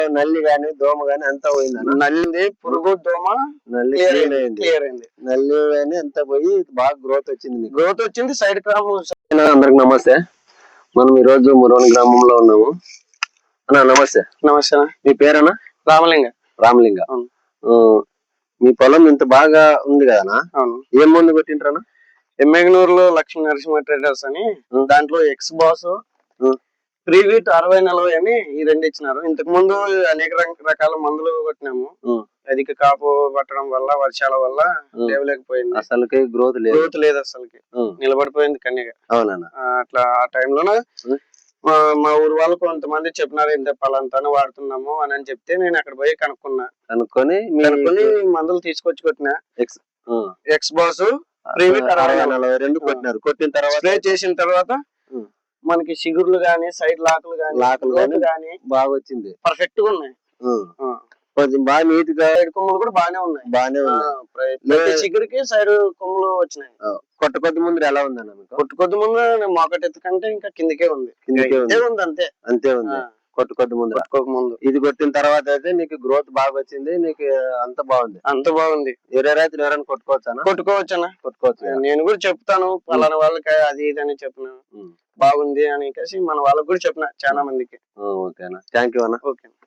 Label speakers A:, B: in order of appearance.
A: నల్లి గాని దోమ గాని అంతా పోయింది.
B: నల్లి పురుగు దోమ
A: నల్లి
B: క్లియర్ అయింది.
A: నల్లి గాని అంతా పోయి బాగా గ్రోత్ వచ్చింది.
B: గ్రోత్ వచ్చింది. Side crop.
A: అందరికి నమస్తే. మనం ఈ రోజు మురోని గ్రామంలో ఉన్నాము. అన్నా నమస్తే.
B: నమస్తే.
A: మీ పేరన్నా?
B: రామలింగ.
A: రామలింగ. మీ పొలం ఇంత బాగా ఉంది కదనా?
B: అవును.
A: ఏం మందు కొట్టింటారన్నా?
B: ఎమ్మెగనూరులో లక్ష్మీ నరసింహ ట్రేడర్స్ అని, దాంట్లో ఎక్స్ బాస్, ప్రీవీట్ 60-40 అని ఈ రెండు ఇచ్చినారు. ఇంతకు ముందు అనేక రకాల మందులు కొట్టినాము. అధిక కాపు పట్టడం వల్ల, వర్షాల వల్ల లేవలేకపోయింది.
A: అసలుకి గ్రోత్
B: లేదు అసలుకి. నిలబడిపోయింది కన్యగా.
A: అవునన్నా.
B: అట్లా ఆ టైంలోనే మా ఊరు వాళ్ళు కొంతమంది చెప్పినారు, ఇంత పలాంతాను వాడుతున్నాము అని చెప్తే నేను అక్కడ పోయి కనుక్కొని మందులు తీసుకొచ్చి కొట్టినా. ఎక్స్ బాస్, ప్రీవీట్ 60-40
A: కొట్టినారు. కొట్టిన తర్వాత
B: స్ప్రే చేసిన తర్వాత మనకి చిగుర్లు గానీ, సైడ్ లాకులు గానీ
A: బాగా వచ్చింది.
B: పర్ఫెక్ట్ గా ఉన్నాయి.
A: బాగా నీట్ గా
B: కొమ్ములు కూడా బాగానే ఉన్నాయి. చిగురికి సైడ్ కొమ్ములు వచ్చినాయి.
A: కొద్ది ముందు ఎలా ఉందన్న?
B: కొద్ది ముందు మొకటి ఎత్తు కంటే ఇంకా కిందకే ఉంది. అంతే ఉంది.
A: కొద్ది ముందు ఇది కొట్టిన తర్వాత అయితే నీకు గ్రోత్ బాగా వచ్చింది. నీకు అంత బాగుంది. వేరే రైతులు ఎవరైనా కొట్టుకోవచ్చా?
B: నేను కూడా చెప్తాను పలానా వాళ్ళకి అది ఇది అని చెప్పిన బాగుంది అని మన వాళ్ళకి కూడా చెప్పిన చాలా మందికి.
A: ఓకేనా? థ్యాంక్ యూ అన్న.
B: ఓకే.